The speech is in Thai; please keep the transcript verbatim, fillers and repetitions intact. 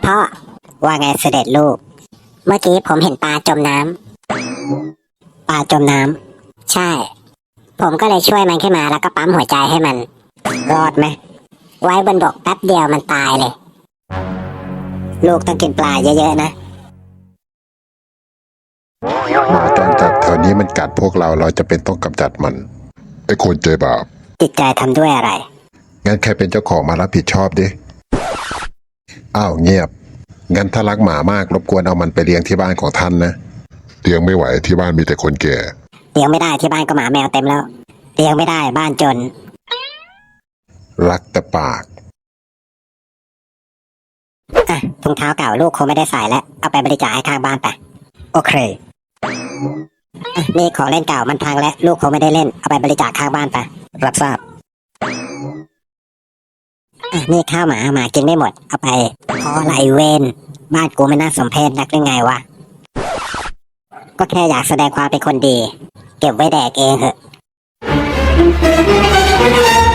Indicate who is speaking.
Speaker 1: พ่อว่าไงเสด็จลูกเมื่อกี้ผมเห็นปลาจมน้ำปลาจมน้ำใช่ผมก็เลยช่วยมันขึ้นมาแล้วก็ปั๊มหัวใจให้มันรอดไหมไว้บนบกแป๊บเดียวมันตายเลยลูกต้องกินปลาเยอะๆนะ
Speaker 2: หมาจรจัดแถวนี้มันกัดพวกเราเราจะเป็นต้องกำจัดมันไอ้คนใจบาป
Speaker 1: จิตใจทำด้วยอะไร
Speaker 2: งั้นใครเป็นเจ้าของมารับผิดชอบดิอ้าวเงียบงั้นถ้ารักหมามากรบกวนเอามันไปเลี้ยงที่บ้านของท่านนะเลี้ยงไม่ไหวที่บ้านมีแต่คนแก่
Speaker 1: เลี้ยงไม่ได้ที่บ้านก็หมาแมวเต็มแล้วเลี้ยงไม่ได้บ้านจน
Speaker 2: รักแต่ปาก
Speaker 1: อ่ะถุงเท้าเก่าลูกคงไม่ได้ใส่แล้วเอาไปบริจาคให้ข้างบ้านไปโอเคอ่ะนี่ของเล่นเก่ามันพังแล้วลูกคงไม่ได้เล่นเอาไปบริจาคข้างบ้านไปรับทราบอ่ะนี่ข้าวหมาหมากินไม่หมดเอาไปพอไรเวนบ้านกูไม่น่าสมเพชนักหรือไงวะก็แค่อยากแสดงความเป็นคนดีเก็บไว้แดกเองเหอะ